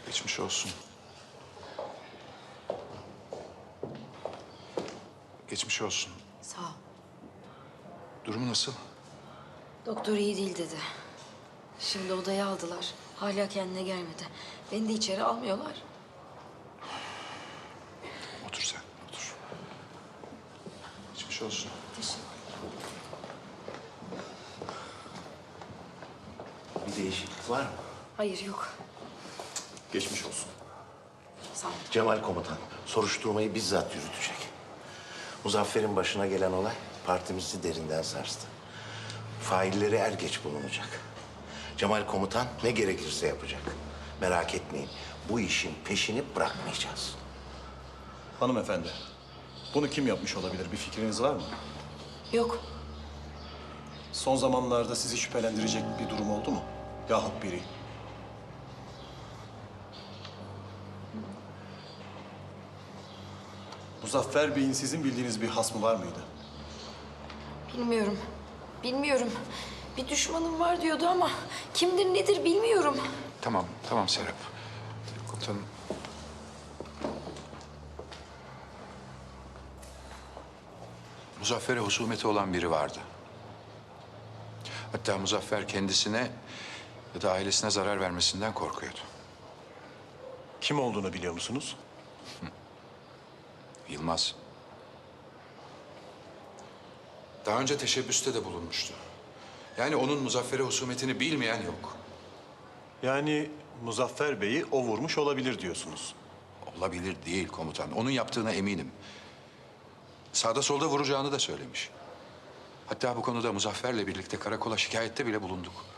Geçmiş olsun. Geçmiş olsun. Sağ ol. Durumu nasıl? Doktor iyi değil dedi. Şimdi odaya aldılar. Hala kendine gelmedi. Beni de içeri almıyorlar. Otur sen, otur. Geçmiş olsun. Teşekkür. Bir değişiklik var mı? Hayır yok. Geçmiş olsun. Sağ ol. Cemal komutan soruşturmayı bizzat yürütecek. Muzaffer'in başına gelen olay partimizi derinden sarstı. Failleri er geç bulunacak. Cemal komutan ne gerekirse yapacak. Merak etmeyin, bu işin peşini bırakmayacağız. Hanımefendi, bunu kim yapmış olabilir? Bir fikriniz var mı? Yok. Son zamanlarda sizi şüphelendirecek bir durum oldu mu? Yahut biri. Muzaffer Bey'in sizin bildiğiniz bir hasmı var mıydı? Bilmiyorum. Bilmiyorum. Bir düşmanım var diyordu ama kimdir nedir bilmiyorum. Tamam, tamam Serap. Komutanım. Muzaffer'e husumeti olan biri vardı. Hatta Muzaffer kendisine ya da ailesine zarar vermesinden korkuyordu. Kim olduğunu biliyor musunuz? Yılmaz. Daha önce teşebbüste de bulunmuştu. Yani onun Muzaffer'e husumetini bilmeyen yok. Yani Muzaffer Bey'i o vurmuş olabilir diyorsunuz. Olabilir değil komutan. Onun yaptığına eminim. Sağda solda vuracağını da söylemiş. Hatta bu konuda Muzaffer'le birlikte karakola şikayette bile bulunduk.